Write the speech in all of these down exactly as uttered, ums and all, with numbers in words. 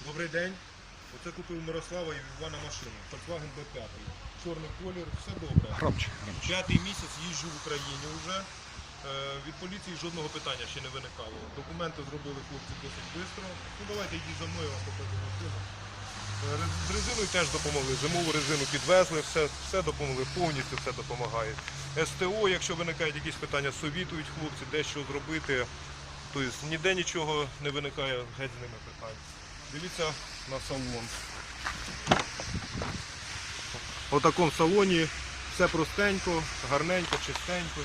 Добрий день. Оце купив Мирослава і Івана машину. Volkswagen бе п'ять. Чорний колір, все добре. Громче, громче. П'ятий місяць їжджу в Україні вже. Е, від поліції жодного питання ще не виникало. Документи зробили хлопці досить швидко. Ну давайте йдіть за мною, я вам покажу машину. Е, З резиною теж допомогли. Зимову резину підвезли, все, все допомогли, повністю все допомагає. ес те о, якщо виникають якісь питання, совітують хлопці, де що зробити. Тобто ніде нічого не виникає, геть з ними питань. Дивіться на салон. У такому салоні все простенько, гарненько, чистенько.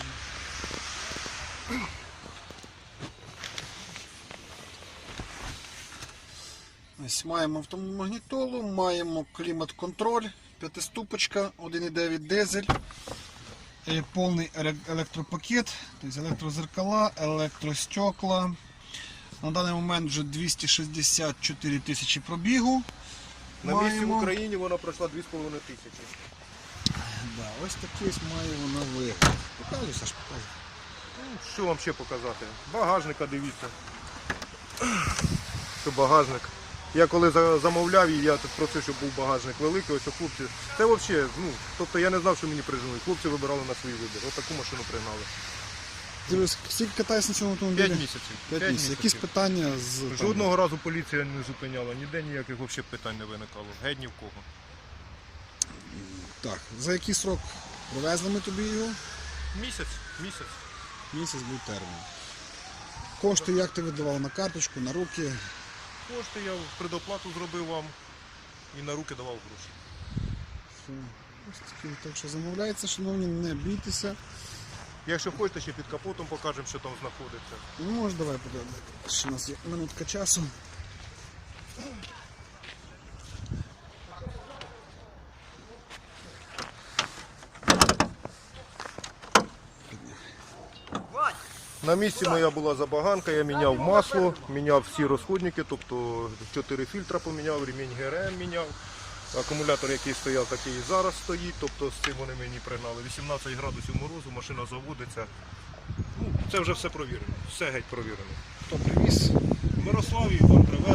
Ось маємо автомагнітолу, маємо клімат-контроль, п'ятиступочка, один і дев'ять дизель, е, повний еле- електропакет, тобто електрозеркала, електростекла. На даний момент вже двісті шістдесят чотири тисячі пробігу. На місці в Маємо. Україні вона пройшла дві з половиною тисячі. Да, ось такий ось має вона вигляд. Показуй, Саш, показуй. Ну, що вам ще показати? Багажника дивіться. Що багажник. Я коли за- замовляв її, я тут просив, щоб був багажник великий, ось у хлопці. Це взагалі, ну, тобто я не знав, що мені прижили. Хлопці вибирали на свій вибір. Ось таку машину пригнали. Дивись, скільки катаєшся на цьому автомобілі? П'ять місяців. П'ять П'ять місяців. Якісь питання з... там, Жодного разу поліція не зупиняла, ніде ніяких взагалі питань не виникало. Геть ні в кого. Так, за який срок привезли ми тобі його? Місяць, місяць. Місяць був термін. Кошти як ти видавав на карточку, на руки? Кошти я предоплату зробив вам і на руки давав гроші. Все. Ось такі. Так що замовляється, шановні, не бійтеся. Якщо хочете, ще під капотом покажемо, що там знаходиться. Ну, може, давай подивимося. Ще у нас є минутка часу. На місці моя була забаганка, я міняв масло, міняв всі розходники, тобто чотири фільтра поміняв, ремінь ге ер ем міняв. Акумулятор, який стояв, такий і зараз стоїть, тобто з цим вони мені пригнали. вісімнадцять градусів морозу, машина заводиться. Ну, це вже все провірено, все геть провірено. Хто привіз? Мирослав і Іван привез.